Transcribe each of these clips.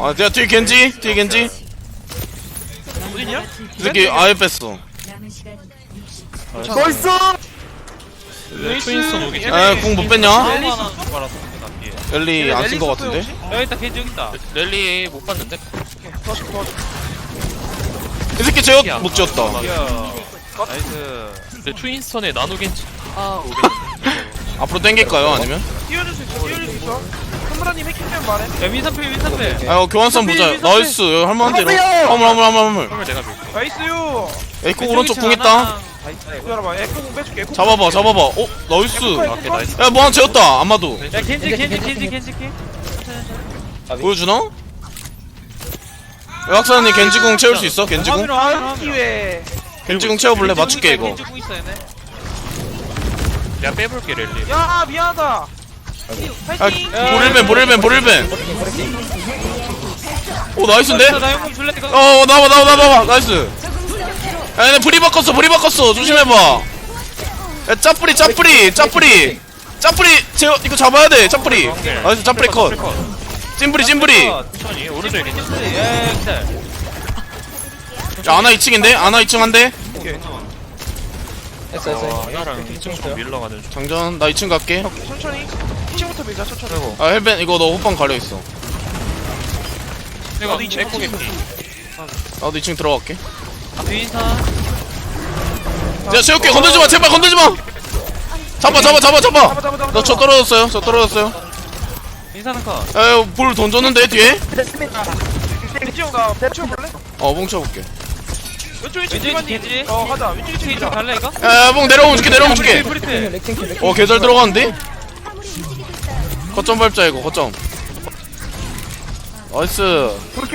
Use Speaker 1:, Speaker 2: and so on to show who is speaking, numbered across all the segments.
Speaker 1: 아 내가 뒤에 겐지
Speaker 2: 어딨냐?
Speaker 1: 이 새끼 아예 뺐어.
Speaker 3: 나이스!
Speaker 4: 트윈스턴 오기
Speaker 1: 아 궁 못 뺐냐?
Speaker 2: 랠리 있어? 말았어 나 뒤에
Speaker 1: 랠리 안 쓴 거 같은데?
Speaker 2: 여기 있다 겐지 여기 있다
Speaker 4: 랠리 못 봤는데?
Speaker 1: 이 새끼 제어 못 지었다.
Speaker 2: 이야 나이스
Speaker 4: 근데 트윈스턴에 나노겐지
Speaker 1: 앞으로 땡길까요 아니면?
Speaker 3: 띄워줄 수 있어. 선브라님 해킹면 말해.
Speaker 2: 야 윈선필
Speaker 1: 아 교환선 보자. 나이스 여기 할만한데 이러. 화물
Speaker 4: 헐 내가 밀게.
Speaker 3: 나이스요.
Speaker 1: 에이코 오른쪽 궁 있다.
Speaker 3: 기다려봐. 에코공 빼줄게. 에코공.
Speaker 1: 잡아봐. 어 나이스.
Speaker 4: 오케이 나이스.
Speaker 1: 야 뭐 하나 재웠다. 아마도
Speaker 2: 야 겐지
Speaker 1: 보여주나? 학사님 겐지궁 채울 수 있어? 겐지궁?
Speaker 3: 기회.
Speaker 1: 겐지궁 채워볼래? 맞출게 이거.
Speaker 2: 겐지 궁 있어 얘네
Speaker 4: 내가 빼볼게 랠리.
Speaker 3: 야 미안하다.
Speaker 1: 아
Speaker 3: 파이팅.
Speaker 1: 보릴벤 오 나이스인데?
Speaker 2: 나 용품 줄래 이거
Speaker 1: 나와 나이스. 야 얘네 불이 바꿨어 조심해봐. 야 짜뿌리 제어 이거 잡아야 돼. 짜뿌리 나이스. 짜뿌리 컷. 찜뿌리
Speaker 4: 천천히 오른쪽에 겐지.
Speaker 2: 예 기다려
Speaker 1: 야 아나 2층인데? 아나 2층 한대.
Speaker 4: 하나랑 2층 좀 밀러가는 중.
Speaker 1: 장전 나 2층 갈게.
Speaker 3: 천천히. 2층부터 밀자. 천천히.
Speaker 1: 아 헬벤 이거 너 호빵 가려있어.
Speaker 4: 내가 에코 겐지.
Speaker 1: 나도 2층 들어갈게.
Speaker 2: 윈선
Speaker 1: 야 채울게. 건들지마 제발 건들지마. 잡아 너 저 떨어졌어요.
Speaker 2: 윈선은 컷
Speaker 1: 야볼 던졌는데 뒤에?
Speaker 3: 겐지형 나 멈춰볼래?
Speaker 1: 뭉쳐볼게.
Speaker 3: 왼쪽
Speaker 2: 겐지
Speaker 3: 가자. 왼쪽
Speaker 2: 겐지
Speaker 3: 2층
Speaker 2: 갈래 이거?
Speaker 1: 야뽕 내려오면 줄게.
Speaker 2: 브리필
Speaker 1: 개잘 들어가는데? 거점 밟자 이거 거점. 나이스.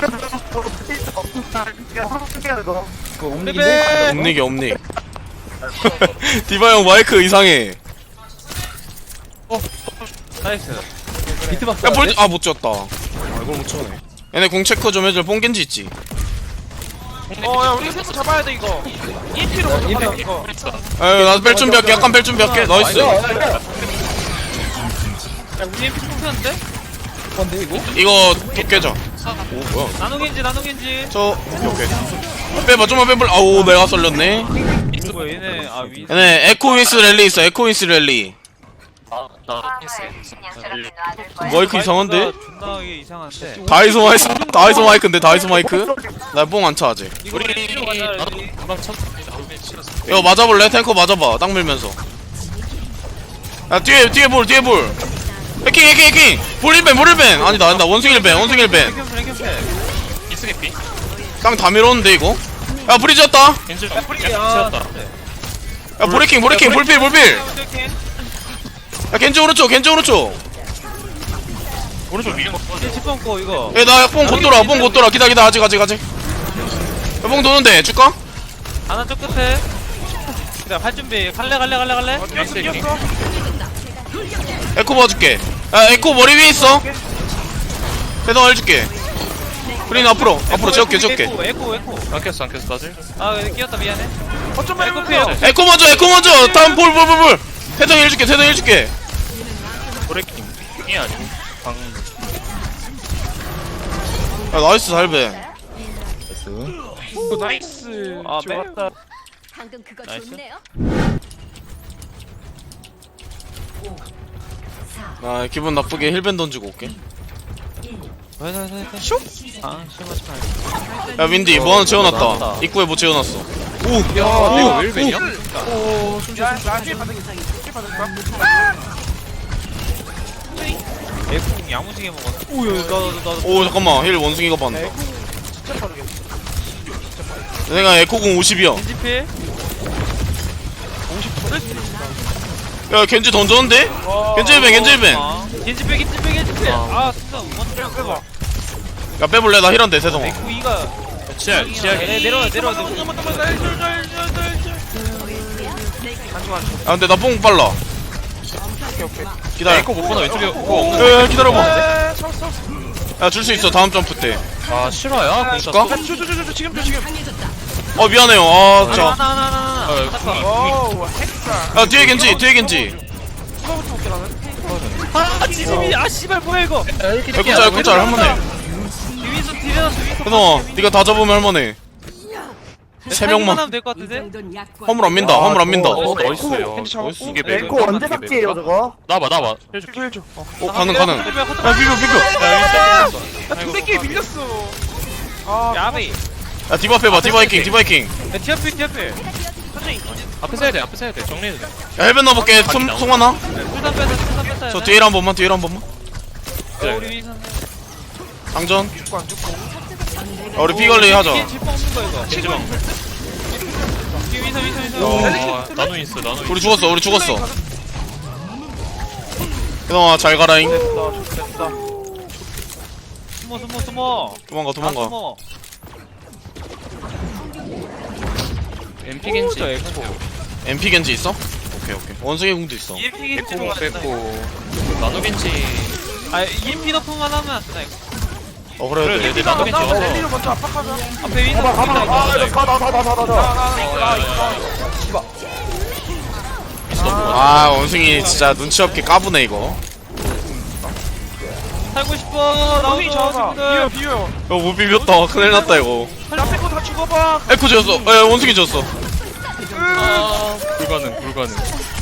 Speaker 1: 옴닉. 디바 형 마이크 이상해.
Speaker 2: 나이스
Speaker 1: 야 못 지었다. 이걸 못 치네. 얘네 공 체크 좀 해줄. 뽕겐지 있지?
Speaker 3: 야 우리 세트 잡아야 돼 이거. EMP로 먼저 가자 이거.
Speaker 1: 나도 뺄 준비할게. 약간 뺄 준비할게. 나이스.
Speaker 2: 야 우리 MP 통했는데?
Speaker 1: 이거 도 깨자. 오 뭐야?
Speaker 2: 나노겐지
Speaker 1: 저 오케이. 빼봐 좀만 빼볼. 아우 내가 썰렸네.
Speaker 2: 뭐야 얘네 윈
Speaker 1: 얘네 에코윈스 랠리 있어. 에코윈스 랠리.
Speaker 4: 나
Speaker 1: 마이크 이상한데?
Speaker 2: 존나 이게 이상한데
Speaker 1: 다이소 마이크인데. 나 뽕 안 차 아직.
Speaker 2: 우리
Speaker 4: 나도 금방 쳤는데 나노겐지 치렀어.
Speaker 1: 이거 맞아볼래? 탱커 맞아봐. 땅 밀면서. 야 뒤에 볼. 해킹. 볼일벤. 아니다. 원숭이 일벤.
Speaker 4: 이승의 피.
Speaker 1: 땅 다 밀었는데 이거. 야 불이 졌다.
Speaker 4: 겐지
Speaker 2: 야
Speaker 4: 치웠다.
Speaker 1: 야 브레이킹. 볼필. 야 겐지 오른쪽.
Speaker 4: 오른쪽 위에 먹고.
Speaker 2: 집 뻥고 이거
Speaker 1: 야나뽕 곧 돌아. 기다. 아직. 야뽕 도는데 줄까?
Speaker 2: 하나 쪽 끝에 그래 할 준비 갈래
Speaker 3: 이겼어.
Speaker 1: 에코 봐줄게. 야 에코 머리 위에 있어. 대동 해줄게. 프린 앞으로 재울게.
Speaker 2: 에코
Speaker 4: 안 켰어 다들.
Speaker 2: 아 끼었다 미안해
Speaker 3: 어쩌면
Speaker 2: 에코
Speaker 3: 해보세요.
Speaker 1: 에코 먼저. 다음 볼. 대동 해줄게.
Speaker 4: 브레이킹 이 아니고 방.
Speaker 1: 야 나이스 살배.
Speaker 3: 나이스.
Speaker 2: 아
Speaker 3: 좋았다.
Speaker 5: 방금 그거
Speaker 2: 나이스.
Speaker 5: 좋네요.
Speaker 1: 나 기분 나쁘게 힐밴 던지고 올게.
Speaker 2: 슉? 아 슉
Speaker 1: 야 윈디 뭐 하나 재워놨다. 입구에 뭐 재워놨어.
Speaker 4: 야 내가 왜 일벤이야?
Speaker 3: 나 뒤에 받은 거야?
Speaker 2: 에코 야무지게 먹었어 오야 나도
Speaker 1: 오 잠깐만 힐 원숭이가 받는다.
Speaker 3: 진짜 빠르게.
Speaker 1: 내가 에코공 50이야.
Speaker 2: 겐지필
Speaker 1: 야 겐지 던졌는데? 겐지 힐밴.
Speaker 2: 겐지필 아 진짜 먼저
Speaker 3: 빼봐.
Speaker 1: 야 빼볼래? 나 힐한데 세성아.
Speaker 2: 에코 이가
Speaker 4: 지하
Speaker 2: 내려와
Speaker 1: 아 근데 나 뽕 빨라. 기다려.
Speaker 4: 에코 못 보나 왼쪽에 그거 없는.
Speaker 1: 야 기다려봐.
Speaker 3: 쳤어.
Speaker 1: 야 줄 수 있어 다음 점프 때.
Speaker 4: 아 실화야? 공
Speaker 1: 줄까?
Speaker 4: 쐈어?
Speaker 3: 지금.
Speaker 1: 미안해요. 아 진짜.
Speaker 2: 하나
Speaker 3: 와우 핵사.
Speaker 1: 야 뒤에 겐지.
Speaker 3: 누가부터 볼게 나는.
Speaker 2: 아 지지미 아 씨발 뭐야 이거
Speaker 1: 에코짤 한 번에.
Speaker 2: 윈선 딜해놨어 윈선
Speaker 1: 혜성아 니가 다 잡으면 할만해. 세 명만.
Speaker 2: 하면 될 것 같은데?
Speaker 1: 화물 안 민다 화물 안 민다.
Speaker 4: 나이스요.
Speaker 3: 겐지 잡았고.
Speaker 4: 이게 맥.
Speaker 5: 에코 언제 삭제해요 저거?
Speaker 4: 나봐.
Speaker 3: 해줘.
Speaker 1: 가능 가능. 야 비벼.
Speaker 3: 야, 두대끼 밀렸어. 아,
Speaker 2: 야베이
Speaker 1: 야 디바 빼봐 디바 해킹.
Speaker 2: 야 티아필
Speaker 3: 천천히.
Speaker 4: 앞에 서야 돼. 정리해도 돼.
Speaker 1: 야 헬벤 넣어볼게. 송하나.
Speaker 2: 풀단 뺐다
Speaker 1: 저 뒤에 한 번만.
Speaker 2: 우리 윈선
Speaker 1: 장전.
Speaker 3: 죽고 안 죽고.
Speaker 1: 야 우리 피 관리 하자.
Speaker 2: 뒤에 질풍 없는 거 이거
Speaker 4: 겐지방.
Speaker 2: 뒤에 윈선
Speaker 4: 나노 인스.
Speaker 1: 우리 죽었어. 혜성아 잘 가라잉.
Speaker 3: 됐다.
Speaker 2: 숨어
Speaker 1: 도망가.
Speaker 2: 숨어
Speaker 4: MP 겐지.
Speaker 1: MP 겐지 있어? 오케이. 원숭이 궁도 있어.
Speaker 2: EMP 겐지
Speaker 4: 에코
Speaker 2: 누가
Speaker 4: 뺐고. 나노 겐지.
Speaker 2: 아 EMP 너프만 하면 안 되나 이거
Speaker 1: 그래.
Speaker 4: 그래, 내 나노 겐지.
Speaker 3: 랠리로 먼저 압박하자.
Speaker 2: 앞에 윈선
Speaker 1: 아 원숭이 진짜 눈치 없게 까부네 이거.
Speaker 2: 살고 싶어
Speaker 3: 나오기 잡아.
Speaker 2: 나오자
Speaker 3: 비벼.
Speaker 1: 못 비볐다. 큰일 났다 이거.
Speaker 3: 나 빼고 다 죽어봐.
Speaker 1: 에코 지었어. 원숭이 지었어.
Speaker 4: 불가능.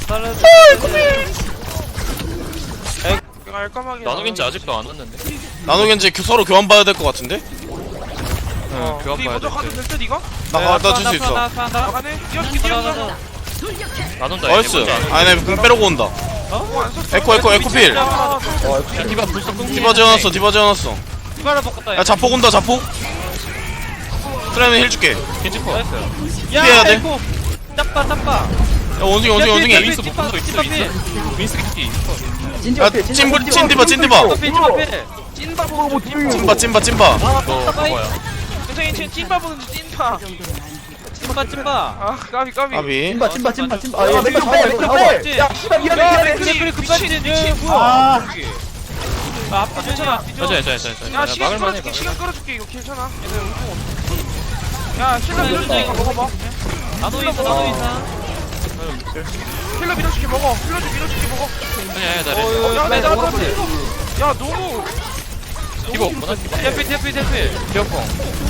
Speaker 3: 내가 알까마게.
Speaker 4: 나노 겐지 아직도 안 왔는데.
Speaker 1: 나노 겐지 서로 교환 봐야 될 것 같은데?
Speaker 4: 교환
Speaker 3: 우리
Speaker 4: 봐야
Speaker 3: 먼저 가도
Speaker 4: 돼.
Speaker 3: 될 듯 이거?
Speaker 1: 나줄 수 있어.
Speaker 3: 나가네. 뛰어주기.
Speaker 4: 나논다.
Speaker 1: 나이스.
Speaker 4: 얘네 먼저 안
Speaker 1: 아니 내궁 빼려고 온다.
Speaker 3: 안 썼어.
Speaker 1: 에코 필.
Speaker 3: 야,
Speaker 4: 야, 디바 불써 끊기.
Speaker 1: 디바 지어놨어.
Speaker 2: 이발을 바꿨다
Speaker 1: 야 자폭 온다 자폭. 트레는 힐 줄게.
Speaker 4: 겐지 커.
Speaker 1: 피해야 돼.
Speaker 2: 에코 짭바
Speaker 1: 야 원숭이.
Speaker 4: 윈스 못 본거 있어. 윈스 겐지.
Speaker 1: 야 찐디바.
Speaker 3: 찐바 보고
Speaker 1: 찐바.
Speaker 4: 너 그거야.
Speaker 3: 괜찮아. 찐바 보는지 찐바.
Speaker 2: 찐바
Speaker 3: 아, 까비.
Speaker 1: 아비.
Speaker 5: 찜바. 아 맥주 빼. 야 씨발 미안해.
Speaker 2: 그래 급발진
Speaker 5: 아.
Speaker 2: 아 앞에 괜찮아
Speaker 3: 야, 시간 끌어줄게. 시간 끌어줄게. 이거 괜찮아. 얘네 운동 없어. 야, 힐러 밀어줄게. 이거 먹어봐.
Speaker 2: 나노 이상
Speaker 3: 힐러 밀어줄게. 먹어. 힐러 밀어줄게. 먹어.
Speaker 4: 아니야, 나
Speaker 3: 야, 내가 그런데. 야, 너무.
Speaker 4: 디바 없구나.
Speaker 2: 대피
Speaker 4: 디어펑.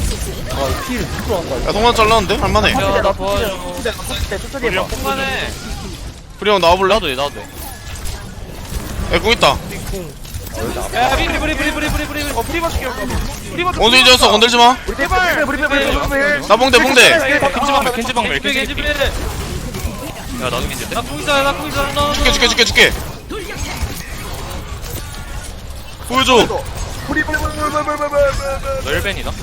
Speaker 1: 야 동안 잘랐는데? 할만해.
Speaker 4: 야, 나 도와줘.
Speaker 5: 천천히 해봐.
Speaker 2: 공간에
Speaker 1: 프리 형 나와볼래?
Speaker 4: 나도 돼.
Speaker 1: 야궁 있다.
Speaker 2: 야 브리
Speaker 3: 프리바 줄게. 프리바 줄게.
Speaker 1: 원숭이 지었어. 건들지 마.
Speaker 3: 제발.
Speaker 1: 나 봉대.
Speaker 4: 겐지 방멸. 야, 나도 겐지인데?
Speaker 2: 나 공이다
Speaker 1: 줄게. 보여줘.
Speaker 4: 너 1벤이나?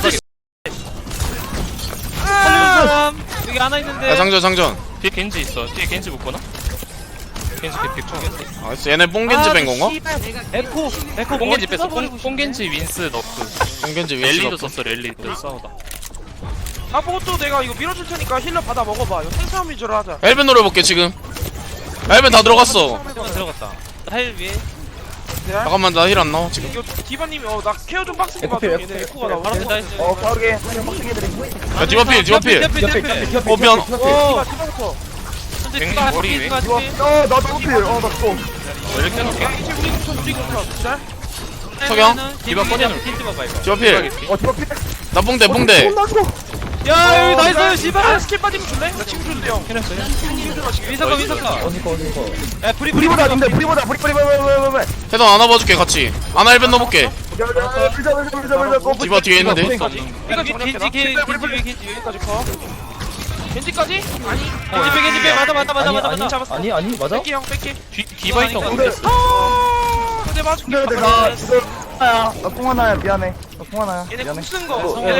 Speaker 2: 여기 하나 있는데
Speaker 1: 야 장전.
Speaker 4: 뒤에 겐지 있어. 뒤에 겐지 못 보나? 겐지 개픽
Speaker 1: 알았어. 얘네 뽕겐지 뺀 건가?
Speaker 2: 에코
Speaker 4: 뽕겐지 뺐어. 뽕겐지 윈스 너프.
Speaker 1: 뽕겐지
Speaker 4: 랠리도
Speaker 1: 윈스가.
Speaker 4: 썼어. 랠리도 싸우다.
Speaker 3: 나 보고 또 내가 이거 밀어줄 테니까 힐러 받아 먹어봐. 이거 생싸움 위주로 하자.
Speaker 1: 헬벤 노려볼게 지금. 헬벤 다 들어갔어.
Speaker 2: 들어갔다 헬 위에
Speaker 1: 잠깐만 나 힐 안 나와 지금.
Speaker 3: 이거 디바님이 나 케어 좀 빡세게
Speaker 5: 에코
Speaker 3: 봐줘.
Speaker 5: 필,
Speaker 3: 얘네
Speaker 5: 에코
Speaker 3: 에코가 나
Speaker 2: 바로
Speaker 3: 올라가.
Speaker 2: 된다
Speaker 5: 빠르게. 빡세게 해드려.
Speaker 1: 야 디바필. 어 미안.
Speaker 3: 디바부터.
Speaker 4: 뱅 머리 왜?
Speaker 5: 나 너무 필. 나 죽어.
Speaker 4: 왜 이렇게 해놓게?
Speaker 3: 이제 우리부터. 자.
Speaker 1: 석영.
Speaker 4: 디바 꺼내놓을게.
Speaker 2: 틴트 봐봐 이거
Speaker 1: 디바필.
Speaker 5: 저거 필.
Speaker 1: 나 뽕대.
Speaker 5: 나 죽어.
Speaker 2: 야 여기 나이스
Speaker 3: 아,
Speaker 2: 씨발
Speaker 3: 스킬 빠지면 줄래? 나 지금 줄래 형.
Speaker 2: 윈서가 야
Speaker 5: 브리보다 근데 브리보다.
Speaker 1: 해당 안아봐줄게 같이. 아나 헬벤 넣어볼게.
Speaker 5: 불자.
Speaker 1: 디바 뒤에 있는데.
Speaker 3: 이거
Speaker 2: 겐지
Speaker 3: 여기까지 커. 겐지까지? 아니.
Speaker 2: 겐지 빼 맞아
Speaker 3: 잡았어.
Speaker 5: 아니 맞아?
Speaker 3: 뺄게 형 뺄게.
Speaker 4: 디바 있던
Speaker 5: 근데
Speaker 4: 건데.
Speaker 3: 근데 맞을게.
Speaker 5: 근데 내가 지금 나통 하나야 미안해. 나통 하나야
Speaker 3: 얘네
Speaker 5: 미안해.
Speaker 3: 궁쓴 거. 얘네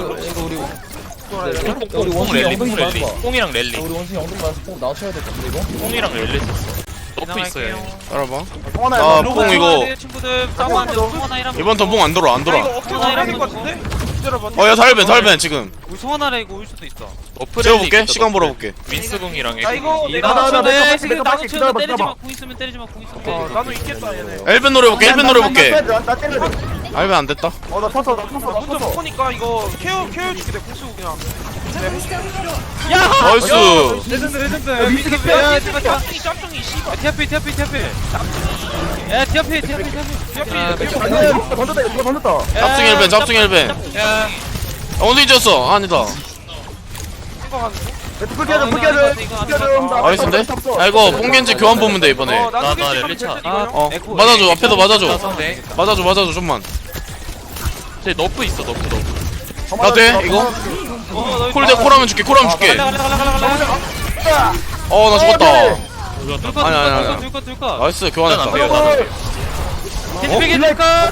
Speaker 4: 뽕 랠리. 뽕이랑 랠리.
Speaker 5: 우리 원숭이 엉덩이 맞아서 꼭 나와줘야 될 것 같은데 이거?
Speaker 4: 뽕이랑 랠리 썼어. 너프 있어요.
Speaker 1: 알아봐.
Speaker 5: 통 하나야.
Speaker 1: 아,
Speaker 5: 뭐.
Speaker 1: 뽕 이거.
Speaker 2: 친구들 싸우는데 송하나 이랑
Speaker 1: 이번 턴 뽕 안 돌아.
Speaker 3: 아 이거 억지로 나야 될것 같은데? 기다려봐.
Speaker 1: 야 살벤 지금.
Speaker 2: 우리 송하나라 이거 올 수도 있어
Speaker 4: 너프
Speaker 1: 재워볼게.
Speaker 4: 랠리
Speaker 1: 시간
Speaker 4: 있어,
Speaker 1: 벌어볼게.
Speaker 4: 윈스궁이랑
Speaker 3: 나 이거 내가
Speaker 5: 나
Speaker 2: 나도
Speaker 5: 내가
Speaker 2: 지금
Speaker 5: 내가
Speaker 2: 나도
Speaker 5: 기다려봐,
Speaker 2: 치는데 때리지
Speaker 5: 기다려봐.
Speaker 2: 마궁 있으면 때리지 마궁 있으면
Speaker 3: 나도 있겠다 얘네.
Speaker 1: 헬벤 노려볼게.
Speaker 5: 나 때려줘.
Speaker 1: 헬벤 안 됐다.
Speaker 5: 나 탔어.
Speaker 3: 나 혼자 먹으니까 이거 케어 줄게 내 궁수고 그냥.
Speaker 2: 야!
Speaker 1: 나이스.
Speaker 2: 레전드 레전드
Speaker 5: 미스 개피.
Speaker 2: 야 제발 제발
Speaker 3: 짬뽕이 짬뽕이 씨발
Speaker 2: 티아피 티아피 티아피 야 티아피 티아피 티아피
Speaker 5: 던졌다 이거 던졌다.
Speaker 1: 짭중 1벤 짭중 1벤.
Speaker 2: 야
Speaker 1: 어디 졌어? 아니다.
Speaker 3: 생각하는
Speaker 5: 풀 깨져 풀 깨져. 풀 깨져.
Speaker 1: 나이스인데? 야 이거 뽕겐지 교환 보면 돼 이번에.
Speaker 3: 거.
Speaker 4: 나
Speaker 3: 겐지 가면
Speaker 4: 렐리차.
Speaker 3: 될 듯, 이거요?
Speaker 1: 어 맞아줘 앞에도 맞아줘.
Speaker 4: 상대.
Speaker 1: 맞아줘 좀만.
Speaker 4: 쟤 너프 있어 너프.
Speaker 1: 나 돼? 이거? 콜대 콜하면 줄게 콜하면 줄게.
Speaker 2: 갈래
Speaker 1: 어 나 죽었다.
Speaker 2: 둘거
Speaker 1: 아니, 아니, 아니.
Speaker 2: 둘거
Speaker 1: 나이스
Speaker 4: 안
Speaker 1: 교환했다.
Speaker 4: 돼요 안 돼요.
Speaker 2: 겐지피 겐지카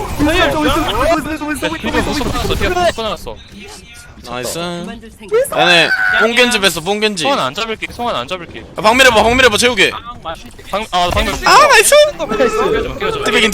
Speaker 4: 뒤에 끊어놨어.
Speaker 1: 나이스. 얘네 뽕겐지 뺐어 뽕겐지.
Speaker 4: 송환 안 잡을게. 송환 안 잡을게.
Speaker 1: 방밀해봐 채우게.
Speaker 4: 방금.
Speaker 1: 아 나이스.
Speaker 4: 끼워줘.
Speaker 1: 띠빙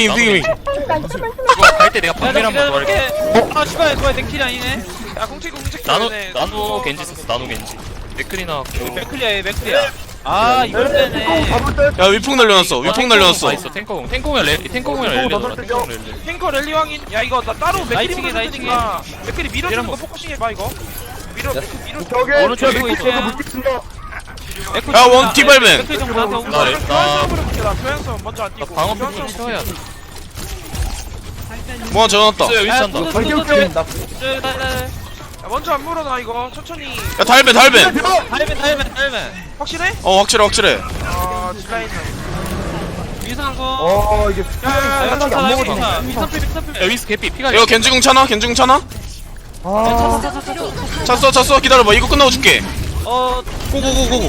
Speaker 4: 이거 갈 때 내가 방밀 한번 더 할게.
Speaker 2: 아 씨발 뭐야 내 킬이 아니네
Speaker 3: 야 공책
Speaker 4: 나노 겐지 썼어. 나노 겐지. 맥클이나
Speaker 2: 맥클리야 맥클리야 아 이걸 빼네
Speaker 1: 야 위풍 날려놨어 위풍 날려놨어.
Speaker 4: 있어. 탱커공. 탱커공이랑 렐리. 탱커공이랑 렐리. 탱커공 렐리.
Speaker 3: 탱커 랠리 왕인 야 이거 나 따로 맥크리
Speaker 2: 나이팅해,
Speaker 3: 밀어주니까 맥크리 밀어주는 거
Speaker 4: 한번.
Speaker 3: 포커싱 해봐 이거 밀어
Speaker 5: 저기
Speaker 4: 오른쪽에
Speaker 5: 저기
Speaker 2: 있어.
Speaker 5: 물티친다.
Speaker 1: 야, 원 티발맨.
Speaker 2: 맥클리 좀 나한테
Speaker 4: 나 렐. 나
Speaker 3: 교환수업으로 볼게 나 교환수업 먼저 안 뛰고
Speaker 4: 방어
Speaker 3: 교환수업
Speaker 4: 패턴 채워야 돼.
Speaker 1: 뭐 전화왔다.
Speaker 4: 있어요 위치한다.
Speaker 5: 발격적인 나.
Speaker 3: 야, 먼저 안 물어 나 이거 천천히
Speaker 1: 야 달벤
Speaker 2: 달맨
Speaker 3: 확실해?
Speaker 1: 어 확실해.
Speaker 3: 아 딜라인
Speaker 2: 위상고
Speaker 5: 이게
Speaker 3: 야야야
Speaker 5: 생각이 안 먹어지네.
Speaker 2: 미선필
Speaker 4: 야 위스 개피 피가.
Speaker 1: 이거 겐지궁 차나? 겐지궁 차나?
Speaker 5: 아
Speaker 1: 찼어 기다려봐 이거 끝나고 줄게.
Speaker 2: 어
Speaker 1: 고고고고.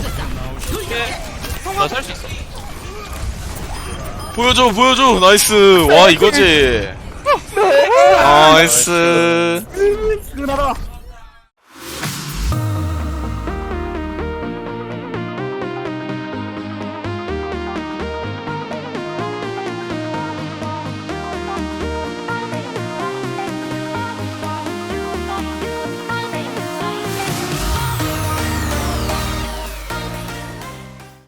Speaker 4: 나살 수 있어.
Speaker 1: 보여줘 나이스. 와 이거지. 나이스.
Speaker 5: 끝나라.